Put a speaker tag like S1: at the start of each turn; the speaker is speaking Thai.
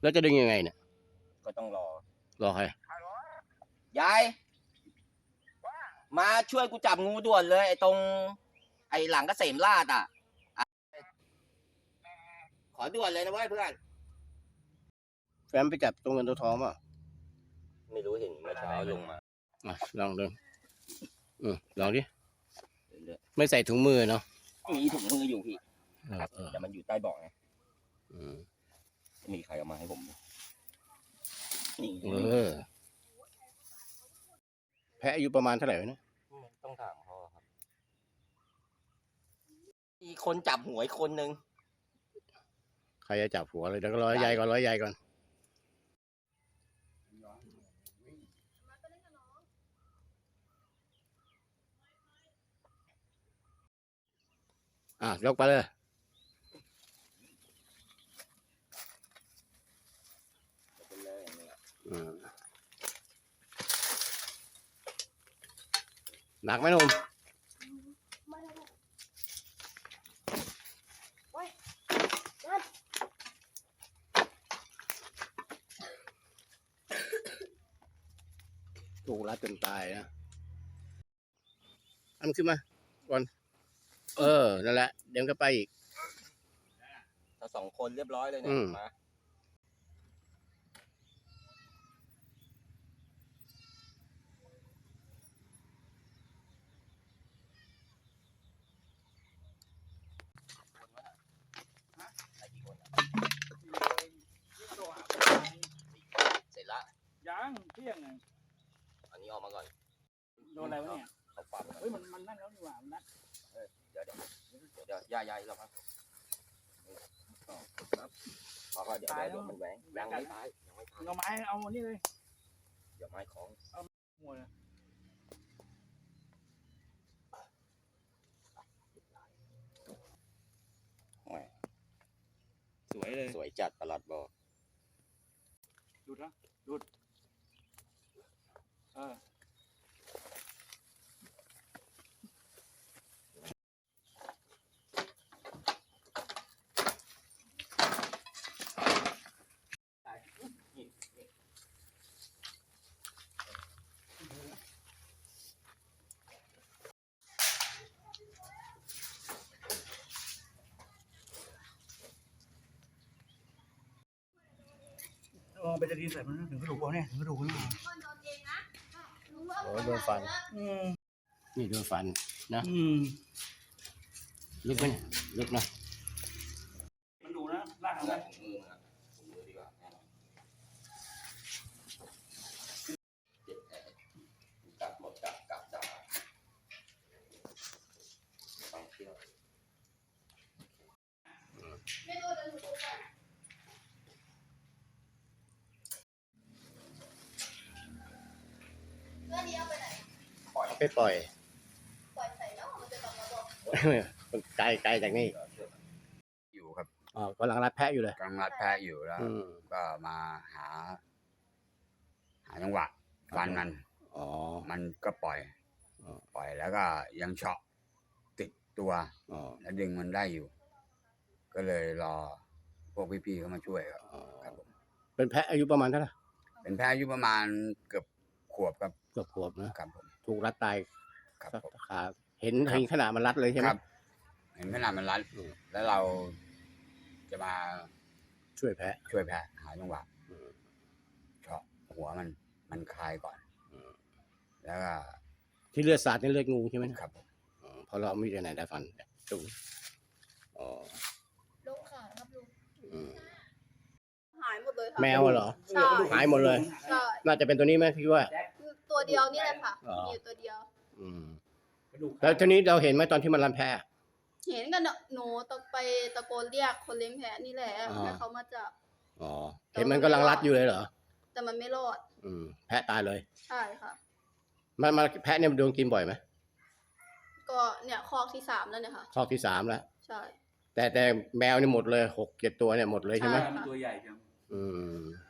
S1: แล้วจะดึงยังไงเนี่ย
S2: ก็ต้องร
S1: อใคร
S2: ยายมาช่วยกูจับงูด่วนเลยไอ้ตรงไอ้หลังเกษมราษฎร์ขอด่วนเลยนะเว้ยเพื่อน
S1: แฟมไปจับตรงเงินตัวทองป่ะ
S2: ไม่รู้เห็นเมื่อเช้าลงมา
S1: ลองดึงลองดิไม่ใส่ถุงมือเนาะ
S2: มีถุงมืออยู่พี่แต่มันอยู่ใต้เบาะไงมีใครเอามาให้ผม
S1: แพะอายุประมาณเท่าไหร่เนี่ย
S2: ต้องถามเขาครับมีคนจับหัวอีกคนนึง
S1: ใครจะจับหัวเลยเดี๋ยวก็ร้อยใหญ่ก่อนยกไปเลยหนักไหมหนุ่มถูกรัดจนตายนะมันขึ้นมาก่อนนั่นแหละเดี๋ยวก็ไปอีก
S2: ถ้า2 คนเรียบร้อยเลยเนี่ยมาเสร็จละ
S3: ยังเที่ยงไง
S2: อันนี้ออกมาก่อน
S3: โดนอะไรวะเนี่ย
S2: เขาปรับ
S3: เฮ้ยมันนั่นแล้วนี่หว่ามันนั่น
S2: เดี๋ยวย้ายเราครับพอก็เดี๋ยวมันแหวงยังไม่ตาย
S3: เอาไม้เอาอันนี้เลย
S2: เดี๋ยวไม้ของ
S3: เอาหัว
S2: สวยเลยสวยจัดตลาดบอก
S3: ดูดนะดูดไปจะดีใส่มันถึงกระดูกเนี่ยถึงกระดูกนี่
S1: โดนฟันนี่โดนฟันนะลึกไหมลึกนะ
S3: มันดูนะลากเอา
S2: มือดีกว่ากัดหมดกัดจ่าต้องเที่ยว
S1: ไปปล่อยใส่แล้วมันจะกลับมาบอกไกลจากนี่
S2: อยู่ครับ
S1: กำลังรัดแพะอยู่เลย
S2: กำลังรัดแพะอยู่แล้วก็มาหาจังหวะฟันมันก็ปล่อยแล้วก็ยังเฉาะติดตัวแล้วดึงมันได้อยู่ก็เลยรอพวกพี่ๆเขามาช่วยครับผม
S1: เป็นแพะอายุประมาณเท่าไหร่
S2: เป็นแพะอายุประมาณเกือบขวบครับ
S1: เกือบขวบนะครับ
S2: ผม
S1: ถูกรัดตาย
S2: ครับ
S1: ขาเห็นขนาดมันรัดเลยใช่ไหม
S2: ครับเห็นขนาดมันรัดแล้วเราจะมา
S1: ช่วยแพะ
S2: หาจังหวะเฉาะหัวมันคลายก่อนแล้วก็
S1: ที่เลือดสาดนี่เลือดงูใช่ไหม
S2: ครับ
S1: เพราะเราไม่ได้ไหนได้ฟันจุก
S4: ลุงขาครับลุงหายหมดเลยค่ะ
S1: แมวเหรอหายหมดเลยน่าจะเป็นตัวนี้ไหมพี่ว่า
S4: ตัวเดียวนี่แหละค่ะมีอยู่ตัวเดียว
S1: แล้วทีนี้เราเห็นไหมตอนที่มันรันแพะ
S4: เห็นกันหนูไปตะโกนเรียกคนเลี้ยงแพะนี่แหละให้เขามาจับ
S1: เห็นมันกำลังรัดอยู่เลยเหรอ
S4: แต่มันไม่รอด
S1: แพะตายเลย
S4: ใช่ค่ะ
S1: มาแพะเนี่ยโดนกินบ่อยไหม
S4: ก็เนี่ยคอกที่3แล้วเนี่ยค่ะ
S1: คอกที่3แล้ว
S4: ใช่
S1: แต่แมวนี่หมดเลย6-7 ตัวเนี่ยหมดเลยใช่ไหม
S3: ตัวใหญ่จัง